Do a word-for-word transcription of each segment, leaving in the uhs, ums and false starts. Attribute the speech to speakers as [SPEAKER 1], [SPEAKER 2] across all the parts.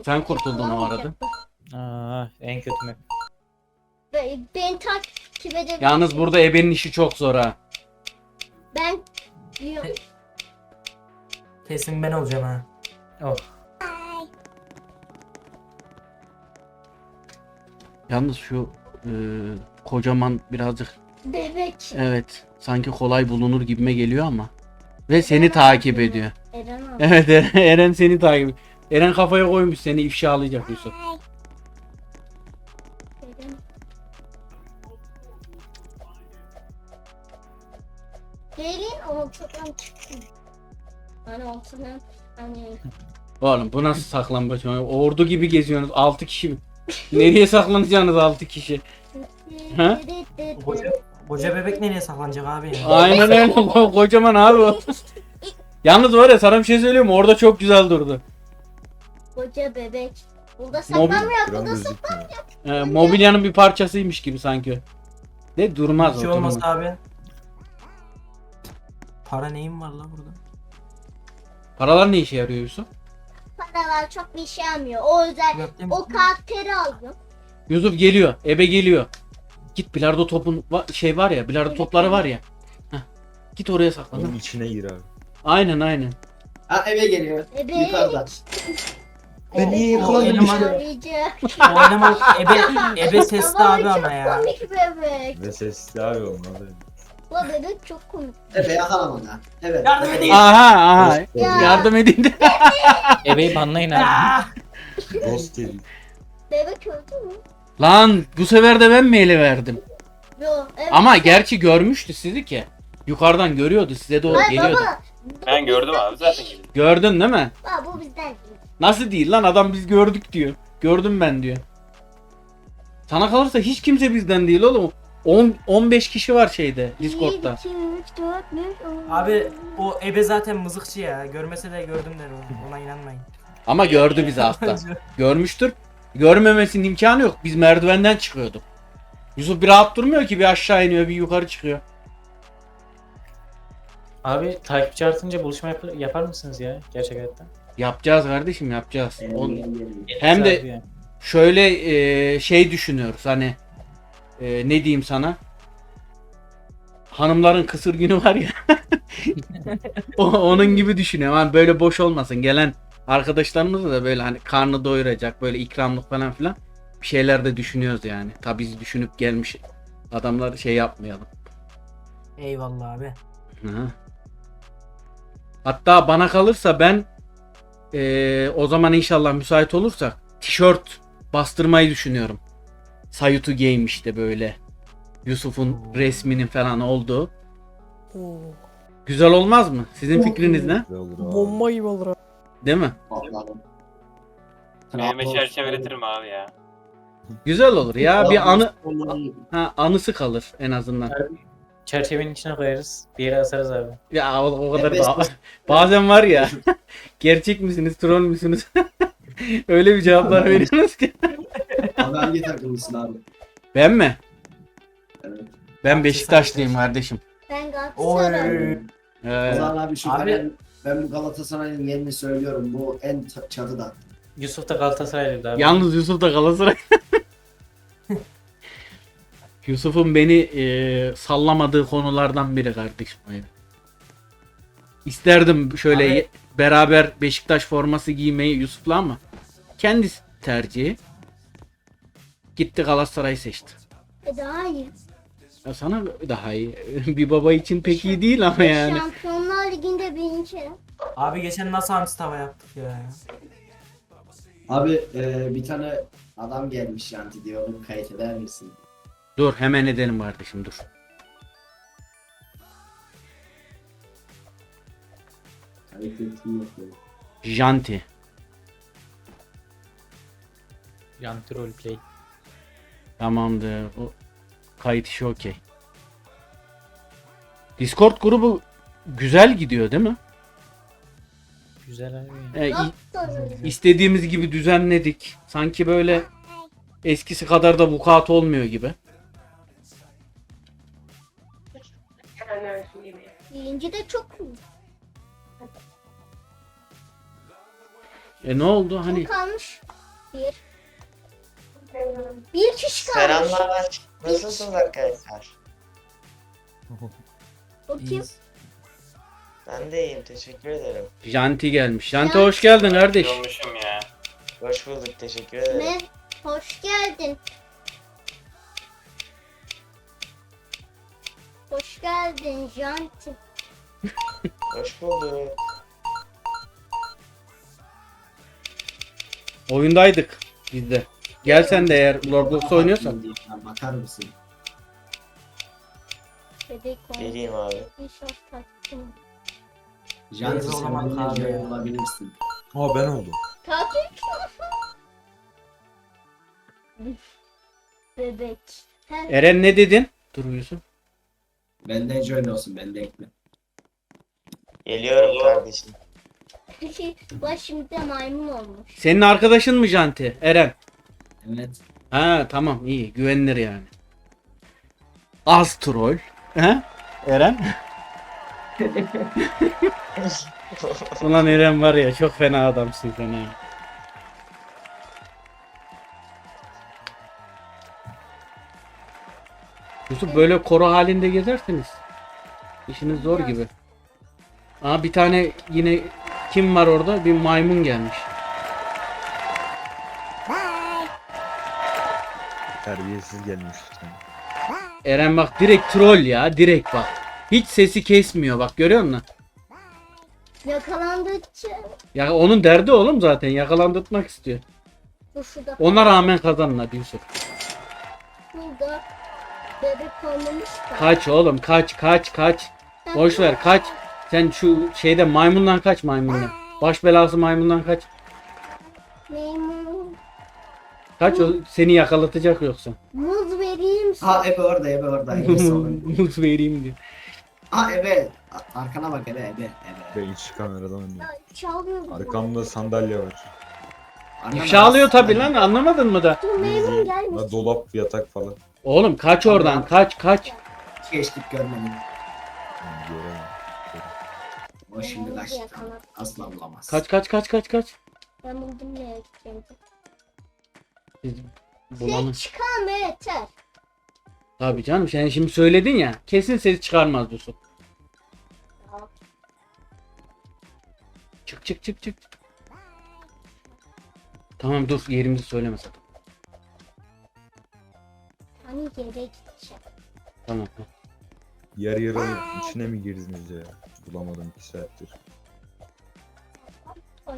[SPEAKER 1] Sen kurtuldun o arada.
[SPEAKER 2] Aa, en kötü map.
[SPEAKER 3] Be- Beni takip edebilir.
[SPEAKER 1] Yalnız burada ebenin işi çok zor ha.
[SPEAKER 3] Ben diyorum.
[SPEAKER 4] Kesin ben olacağım ha.
[SPEAKER 2] Oh.
[SPEAKER 1] Yalnız şu e, kocaman birazcık
[SPEAKER 3] Bebek.
[SPEAKER 1] evet sanki kolay bulunur gibime geliyor ama. Ve seni takip ediyor.
[SPEAKER 3] Eren abi.
[SPEAKER 1] Evet Eren, Eren seni takip ediyor. Eren kafaya koymuş seni ifşalayacak Yusuf.
[SPEAKER 3] Eren. Gelin ortadan çıktım. Hani ortadan hani
[SPEAKER 1] Oğlum bu nasıl saklambaç? Ordu gibi geziyorsunuz altı kişi. Nereye saklanacaksınız altı kişi? Ha?
[SPEAKER 4] Koca, koca bebek nereye saklanacak abi ya?
[SPEAKER 1] Aynen öyle Ko- kocaman abi o. Yalnız var ya sana bir şey söyleyeyim mi? Orada çok güzel durdu.
[SPEAKER 3] koca bebek. Burada
[SPEAKER 1] Mobil-
[SPEAKER 3] saklanmıyor,
[SPEAKER 5] Gram
[SPEAKER 3] burada
[SPEAKER 5] gözükmüyor.
[SPEAKER 1] Ee, mobilyanın bir parçasıymış gibi sanki. Ne durmaz
[SPEAKER 4] Bir
[SPEAKER 1] o
[SPEAKER 4] şey
[SPEAKER 1] durmaz.
[SPEAKER 4] olmaz abi. Para neyim var la burada?
[SPEAKER 1] Paralar ne işe yarıyor Yusuf?
[SPEAKER 3] paralar çok bir şey almıyor. O yüzden
[SPEAKER 4] Yok değil mi?
[SPEAKER 3] o karakteri aldım.
[SPEAKER 1] Yusuf geliyor. Ebe geliyor. Git bilardo topun va- şey var ya bilardo topları var ya. Heh. Git oraya saklan.
[SPEAKER 5] Onun içine gir abi.
[SPEAKER 1] Aynen aynen.
[SPEAKER 6] Ha eve geliyor.
[SPEAKER 3] Bebek.
[SPEAKER 6] Yukarıda.
[SPEAKER 3] Bebek
[SPEAKER 6] Ben iyi
[SPEAKER 4] O
[SPEAKER 6] yakaladım
[SPEAKER 4] eleman,
[SPEAKER 6] işte.
[SPEAKER 3] arayacak.
[SPEAKER 4] o eleman ebe, ebe sesli
[SPEAKER 3] Ama
[SPEAKER 4] abi
[SPEAKER 3] çok
[SPEAKER 4] ama ya.
[SPEAKER 3] komik bebek.
[SPEAKER 5] Ve sesli abi olmalı.
[SPEAKER 3] Bu bebek çok komik.
[SPEAKER 6] Efe yakalamadı. Evet.
[SPEAKER 4] Yardım
[SPEAKER 6] evet.
[SPEAKER 4] edin.
[SPEAKER 1] Aha aha.
[SPEAKER 3] Ya.
[SPEAKER 1] Yardım edin de.
[SPEAKER 2] Ebeyi banlayın abi.
[SPEAKER 4] Ah!
[SPEAKER 5] Ghost dedi.
[SPEAKER 3] Bebek öldü mü?
[SPEAKER 1] Lan bu sefer de ben mi ele verdim?
[SPEAKER 3] Yo. Evet.
[SPEAKER 1] Ama gerçi görmüştü sizi ki. Yukarıdan görüyordu size doğru
[SPEAKER 3] Ay
[SPEAKER 1] geliyordu.
[SPEAKER 3] baba.
[SPEAKER 7] Ben gördüm abi zaten geldim.
[SPEAKER 1] Gördün değil mi?
[SPEAKER 3] Baba bu bizden değil.
[SPEAKER 1] Nasıl değil lan adam biz gördük diyor. Gördüm ben diyor. Sana kalırsa hiç kimse bizden değil oğlum. on on beş kişi var şeyde Discord'da.
[SPEAKER 3] bir, iki, üç, dört, beş, on.
[SPEAKER 4] Abi o ebe zaten mızıkçı ya. Görmese de gördüm der o. Ona inanmayın.
[SPEAKER 1] Ama gördü bizi hasta. Görmüştür. Görmemesinin imkanı yok. Biz merdivenden çıkıyorduk. Yusuf bir rahat durmuyor ki bir aşağı iniyor bir yukarı çıkıyor.
[SPEAKER 2] Abi takipçi artınca buluşma yap- yapar mısınız ya gerçek hayatta?
[SPEAKER 1] Yapacağız kardeşim yapacağız. O-
[SPEAKER 6] Geliyor.
[SPEAKER 1] Hem de
[SPEAKER 2] Abi yani.
[SPEAKER 1] şöyle e, şey düşünüyoruz hani e, ne diyeyim sana hanımların kısır günü var ya o, onun gibi düşünüyorum hani böyle boş olmasın gelen arkadaşlarımız da böyle hani karnı doyuracak böyle ikramlık falan filan bir şeyler de düşünüyoruz yani tabii biz düşünüp gelmiş adamlar şey yapmayalım.
[SPEAKER 4] Eyvallah abi.
[SPEAKER 1] Hı. Hatta bana kalırsa ben e, o zaman inşallah müsait olursak tişört bastırmayı düşünüyorum. Sayutu Game işte böyle. Yusuf'un resminin falan olduğu. Güzel olmaz mı? Sizin fikriniz ne?
[SPEAKER 5] Güzel olur abi.
[SPEAKER 8] Bomba gibi olur abi.
[SPEAKER 1] Değil mi?
[SPEAKER 6] Patladım.
[SPEAKER 7] Mehmet çerçeveletirim abi ya.
[SPEAKER 1] Güzel olur ya. Bir anı ha, anısı kalır en azından.
[SPEAKER 2] Çerçevenin içine koyarız. Bir yere asarız abi.
[SPEAKER 1] Ya o, o kadar
[SPEAKER 6] Evet.
[SPEAKER 1] ba- bazen var ya. Gerçek misiniz, troll müsünüz? Öyle bir cevaplar veriyorsunuz ki.
[SPEAKER 6] Abi hangi takımlısın abi?
[SPEAKER 1] Ben mi?
[SPEAKER 6] Evet.
[SPEAKER 1] Ben Beşiktaşlıyım kardeşim.
[SPEAKER 3] Ben
[SPEAKER 4] Oy.
[SPEAKER 3] Galatasaray.
[SPEAKER 6] O
[SPEAKER 1] Ee,
[SPEAKER 6] zaman abi şu
[SPEAKER 4] Abi-
[SPEAKER 6] kalenin ben bu Galatasaray'ın yerini söylüyorum. Bu en t- çatıda.
[SPEAKER 2] Yusuf da Galatasaraylıydı abi.
[SPEAKER 1] Yalnız Yusuf da Galatasaray. Yusuf'un beni e, sallamadığı konulardan biri kardeşim. Aynen. İsterdim şöyle
[SPEAKER 4] Abi-
[SPEAKER 1] ye- beraber Beşiktaş forması giymeyi Yusuf'la ama kendisi tercihi. Gitti Galatasaray'ı seçti.
[SPEAKER 3] E daha iyi.
[SPEAKER 1] Ya sana daha iyi. Bir baba için pek iyi değil ama yani.
[SPEAKER 3] Şampiyonlar Ligi'nde birinci.
[SPEAKER 4] Abi geçen nasıl hamsi tava yaptık ya.
[SPEAKER 6] Abi e, bir tane adam gelmiş Yanti diyor. Onu kayıt eder misin?
[SPEAKER 1] Dur hemen edelim kardeşim dur.
[SPEAKER 6] Kayıt ettim yok. böyle.
[SPEAKER 1] Janti.
[SPEAKER 2] Yanti roleplay.
[SPEAKER 1] Tamamdır. O kayıt işi okey. Discord grubu güzel gidiyor değil mi?
[SPEAKER 2] Güzel abi.
[SPEAKER 1] Ee, i-
[SPEAKER 3] Galatasaray.
[SPEAKER 1] istediğimiz gibi düzenledik. Sanki böyle eskisi kadar da vukuat olmuyor gibi.
[SPEAKER 3] Birinci de çok iyi.
[SPEAKER 1] E ne oldu? Hani
[SPEAKER 3] Kalmış. Bir. Bir kişi kalmış.
[SPEAKER 8] Selamlar. Nasılsınız arkadaşlar?
[SPEAKER 3] O kim?
[SPEAKER 4] İyiyiz.
[SPEAKER 8] Ben de iyiyim. Teşekkür ederim.
[SPEAKER 1] Janti gelmiş. Janti hoş geldin kardeş.
[SPEAKER 7] Olmuşum ya.
[SPEAKER 8] Hoş bulduk. Teşekkür ederim.
[SPEAKER 3] Ne? Hoş geldin. Hoş geldin Janti.
[SPEAKER 8] Hoş bulduk.
[SPEAKER 1] Oyundaydık biz de. Gel sen de eğer Roblox oynuyorsan.
[SPEAKER 6] Bakar mısın?
[SPEAKER 3] Bebek
[SPEAKER 8] Geleyim abi.
[SPEAKER 3] İnşallah tatlım.
[SPEAKER 6] Janti
[SPEAKER 4] Neyse, o
[SPEAKER 6] sen
[SPEAKER 4] zaman
[SPEAKER 6] benimle
[SPEAKER 4] abi
[SPEAKER 6] join
[SPEAKER 4] ya.
[SPEAKER 6] olabilirsin.
[SPEAKER 5] Aa ben oldum.
[SPEAKER 3] Tatil. Bebek. Her
[SPEAKER 1] Eren ne dedin? Dur Yusuf.
[SPEAKER 6] Benden join olsun, bende ekle.
[SPEAKER 8] Geliyorum kardeşim.
[SPEAKER 3] kişi var şimdi de maymun olmuş.
[SPEAKER 1] Senin arkadaşın mı Janti? Eren.
[SPEAKER 6] Evet.
[SPEAKER 1] Ha tamam iyi güvenilir yani. Az troll. He? Eren? Ulan Eren var ya çok fena adamsın sen ha. Yusuf böyle koro halinde gezerseniz işiniz zor gibi. Aa bir tane yine kim var orada? Bir maymun gelmiş.
[SPEAKER 5] Terbiyesiz gelmiş.
[SPEAKER 1] Eren bak direkt troll ya direkt bak. Hiç sesi kesmiyor bak görüyor musun?
[SPEAKER 3] Yakalandıkça
[SPEAKER 1] Ya onun derdi oğlum zaten yakalandırtmak istiyor.
[SPEAKER 3] bu şurada
[SPEAKER 1] Ona rağmen kazanın hadi Yusuf.
[SPEAKER 3] burada bebek olmamış da.
[SPEAKER 1] Kaç oğlum kaç kaç kaç. Boş ver kaç. Sen şu şeyde maymundan kaç maymundan. Baş belası maymundan kaç.
[SPEAKER 3] Maymun.
[SPEAKER 1] Kaç o seni yakalatacak yoksa.
[SPEAKER 3] Muz vereyim sana.
[SPEAKER 6] Ha Ebe orada, Ebe orada. Ebe solun.
[SPEAKER 1] Muz vereyim diyor.
[SPEAKER 6] Ha Ebe. A- Arkana bak Ebe, Ebe, Ebe.
[SPEAKER 1] şey-
[SPEAKER 5] Ben iç kameradan oynuyorum.
[SPEAKER 3] Çalıyor bu.
[SPEAKER 5] Arkamda sandalye var.
[SPEAKER 6] Arkana
[SPEAKER 1] İfşa alıyor
[SPEAKER 6] bak.
[SPEAKER 1] tabi lan anlamadın mı da?
[SPEAKER 3] Dur maymun gelmiş.
[SPEAKER 5] La dolap, yatak falan.
[SPEAKER 1] Oğlum kaç oradan kaç kaç.
[SPEAKER 6] Geçtik görmedim.
[SPEAKER 5] Yani göremem.
[SPEAKER 6] O şimdi
[SPEAKER 3] Maymun
[SPEAKER 6] kaçtı.
[SPEAKER 3] yakaladı.
[SPEAKER 6] Asla bulamaz.
[SPEAKER 1] Kaç kaç kaç kaç kaç.
[SPEAKER 3] Ben buldum ne yapacağım.
[SPEAKER 1] Biz bulanı.
[SPEAKER 3] Ses çıkarma yeter.
[SPEAKER 1] Tabii canım sen şimdi söyledin ya. Kesin ses çıkarmaz Yusuf. Çık çık çık çık. Tamam dur yerimizi söyleme sakın.
[SPEAKER 3] Hani yere gideceğim.
[SPEAKER 1] Tamam.
[SPEAKER 5] Yer yer alıp içine mi girdiniz ya? Bulamadım iki saattir.
[SPEAKER 3] Ay.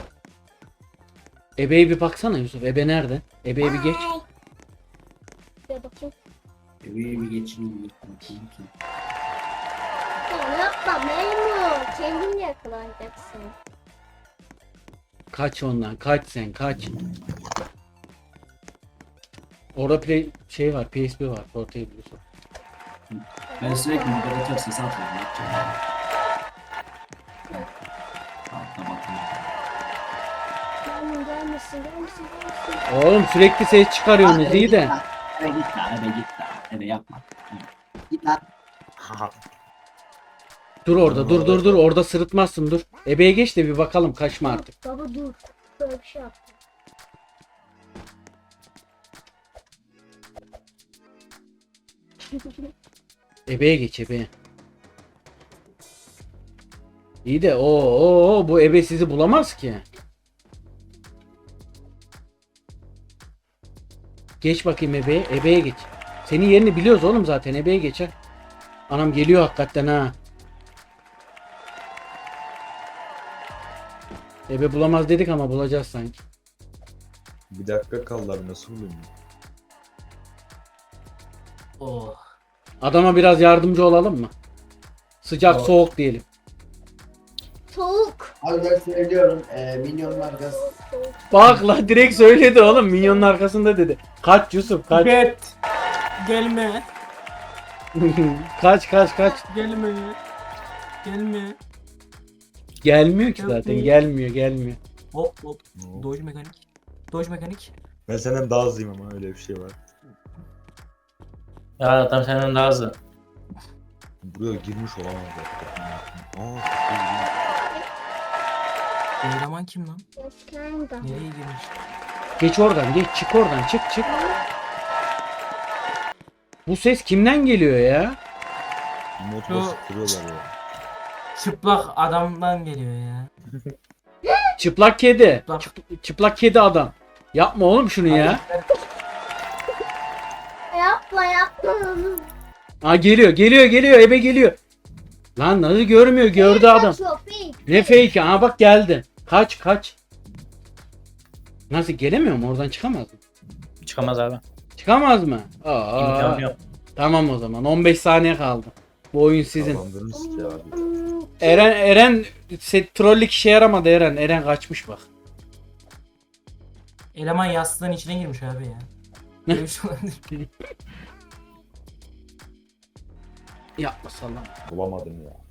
[SPEAKER 1] Ebe'ye bir baksana Yusuf. Ebe nerede? Ebe'ye bir geç.
[SPEAKER 3] Bir bakayım.
[SPEAKER 6] Ebe'yi bir geçin. Bakayım ki.
[SPEAKER 3] Ya yapma maymun. Kendin yakalanacaksın.
[SPEAKER 1] Kaç ondan. Kaç sen kaç. Orada play şey var. P S P var. Portable Yusuf.
[SPEAKER 6] Ben sürekli moderatör sesi atıyorum. Ne yapacağım? Altta bakıyorum.
[SPEAKER 3] Maymun gelmesin gelmesin gelmesin.
[SPEAKER 1] Oğlum sürekli ses çıkarıyorsunuz iyi de.
[SPEAKER 6] Ebe git lan, Ebe git lan. Ebe yapma. Git lan.
[SPEAKER 1] Dur orada dur dur dur. Orada sırıtmazsın dur. Ebe'ye geç de bir bakalım kaçma artık.
[SPEAKER 3] Baba dur. Böyle bir şey yaptım.
[SPEAKER 1] Ebe'ye geç Ebe'ye. İyi de o o bu Ebe sizi bulamaz ki. Geç bakayım Ebe'ye. Ebe'ye geç. Senin yerini biliyoruz oğlum zaten. Ebe'ye geç ha. Anam geliyor hakikaten ha. Ebe bulamaz dedik ama bulacağız sanki.
[SPEAKER 5] Bir dakika kaldı abi, nasıl bulayım?
[SPEAKER 4] Oh.
[SPEAKER 1] Adama biraz yardımcı olalım mı? Sıcak
[SPEAKER 6] Tamam.
[SPEAKER 1] soğuk diyelim.
[SPEAKER 3] Soğuk.
[SPEAKER 6] Abi ben söylüyorum. E, milyonlar gaz.
[SPEAKER 3] Soğuk.
[SPEAKER 1] Bak la direkt söyledi oğlum. Minyonun arkasında dedi. Kaç Yusuf kaç.
[SPEAKER 4] Bet. Gelme.
[SPEAKER 1] kaç kaç kaç.
[SPEAKER 4] Gelme. Gelme.
[SPEAKER 1] Gelmiyor ki zaten.
[SPEAKER 4] Yapmayın.
[SPEAKER 1] Gelmiyor gelmiyor.
[SPEAKER 4] Hop hop.
[SPEAKER 5] Oo.
[SPEAKER 4] Dodge mekanik. Dodge mekanik.
[SPEAKER 5] Ben senden daha hızlıyım ama öyle bir şey var.
[SPEAKER 2] Ya adam senden daha hızlı.
[SPEAKER 5] Buraya girmiş olamaz zaten. Aa,
[SPEAKER 4] Bu eleman kim lan?
[SPEAKER 3] Eskiden
[SPEAKER 4] Nereye girmiş?
[SPEAKER 1] Geç oradan geç çık oradan çık çık. Bu ses kimden geliyor ya?
[SPEAKER 5] Motor
[SPEAKER 4] Şu-
[SPEAKER 5] sıkıyorlar ya.
[SPEAKER 4] Çıplak adamdan geliyor ya.
[SPEAKER 1] Çıplak kedi.
[SPEAKER 4] Çıplak.
[SPEAKER 1] Çıp- çıplak kedi adam. Yapma oğlum şunu ya.
[SPEAKER 3] Yapma yapma.
[SPEAKER 1] Aa geliyor geliyor geliyor ebe geliyor. Lan nasıl görmüyor gördü adam.
[SPEAKER 3] Köpek.
[SPEAKER 1] Ne fake? Aa bak geldi. Kaç kaç. Nasıl gelemiyor mu? Oradan çıkamaz mı?
[SPEAKER 2] Çıkamaz abi.
[SPEAKER 1] Çıkamaz mı? Aa,
[SPEAKER 2] İmkanı yok.
[SPEAKER 1] tamam o zaman. on beş saniye kaldı. Bu oyun sizin.
[SPEAKER 5] Kazandınız ki abi.
[SPEAKER 1] Eren Eren set trollük işe yaramadı Eren. Eren kaçmış bak.
[SPEAKER 4] Eleman yastığın içine girmiş abi ya. Böyle bir şey olabilir.
[SPEAKER 1] Yapma sallam.
[SPEAKER 5] Bulamadım ya.